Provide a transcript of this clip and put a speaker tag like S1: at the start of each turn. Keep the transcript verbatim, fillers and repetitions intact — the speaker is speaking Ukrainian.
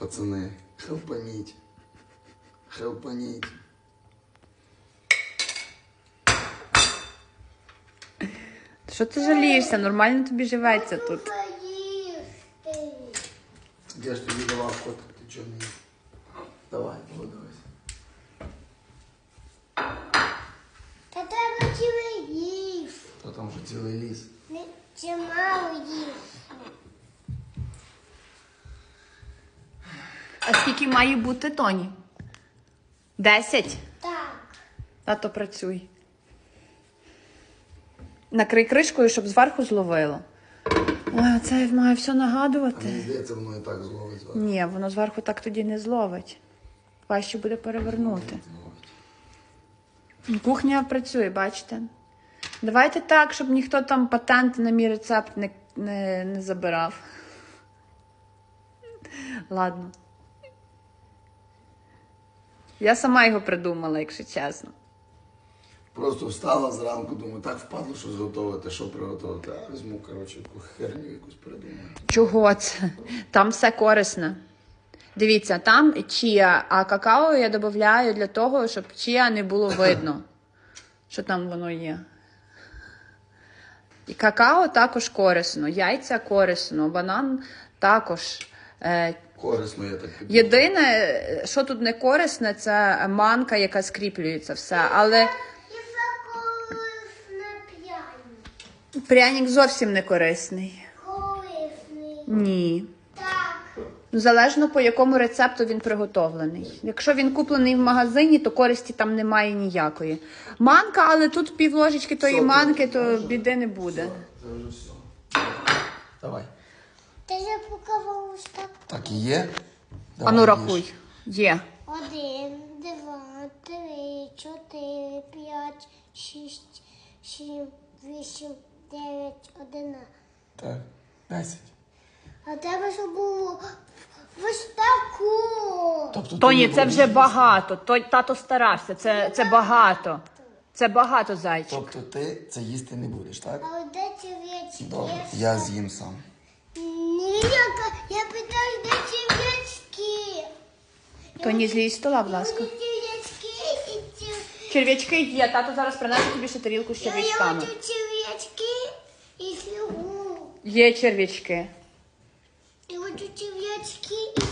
S1: пацани. Хелпаніть. Хелпаніть.
S2: Що ти жалієшся? Нормально тобі живеться тут.
S1: Я ж тобі давав котик, ти чого не їв? Давай, подивись.
S3: Та треба цілий ліс.
S1: Та там вже цілий ліс.
S3: Не чимало їх.
S2: А скільки має бути, Тоні? Десять?
S3: Так.
S2: Тато, працюй. Накрий кришкою, щоб зверху зловило. Ой, оце має все
S1: А мені
S2: нагадувати.
S1: здається, воно і так зловить зверху.
S2: Ні, воно зверху так тоді не зловить. Важче буде перевернути.
S1: Зловить.
S2: Кухня працює, бачите? Давайте так, щоб ніхто там патенти на мій рецепт не, не, не забирав. Ладно. Я сама його придумала, якщо чесно.
S1: Просто встала зранку, думаю, так впадло, що зготувати, що приготувати. А візьму, коротше, яку херню якусь придумаю.
S2: Чого це? Там все корисне. Дивіться, там чія, а какао я додаю для того, щоб чія не було видно, що там воно є. І какао також корисно, яйця корисно, банан також. Е,
S1: Корисно, я так піду.
S2: Єдине, що тут не корисне, це манка, яка скріплюється все. Але
S3: І заколисне пряник.
S2: пряник зовсім не корисний.
S3: Корисний.
S2: Ні.
S3: Так.
S2: Залежно по якому рецепту він приготовлений. Якщо він куплений в магазині, то користі там немає ніякої. Манка, але тут пів ложечки тої
S1: Соку.
S2: манки, то біди не буде.
S1: Це вже все. Давай.
S3: Ти вже показав ось так.
S1: Так і є?
S2: А ну рахуй. Є.
S3: Один, два, три, чотири, п'ять, шість, сім, вісім, дев'ять, одинадцять.
S1: Так, десять.
S3: А тебе що було ось таку.
S1: Тобто ти
S2: Тоні,
S1: не
S2: це
S1: будеш
S2: вже
S1: їсти?
S2: багато. Той, тато старався. Це, це багато. Це багато, зайчик.
S1: Тобто ти це їсти не будеш, так?
S3: А от де черв'ячки?
S1: Добре, я з'їм сам.
S3: Ні, я, я питаю, де черв'ячки?
S2: Тоні, злізь з стола, будь ласка.
S3: Мені черв'ячки і ці...
S2: Черв'ячки є. Тато зараз принесе тобі ще тарілку з
S3: Я
S2: черв'ячками.
S3: хочу черв'ячки і фігуру.
S2: Є черв'ячки.
S3: Я хочу черв'ячки і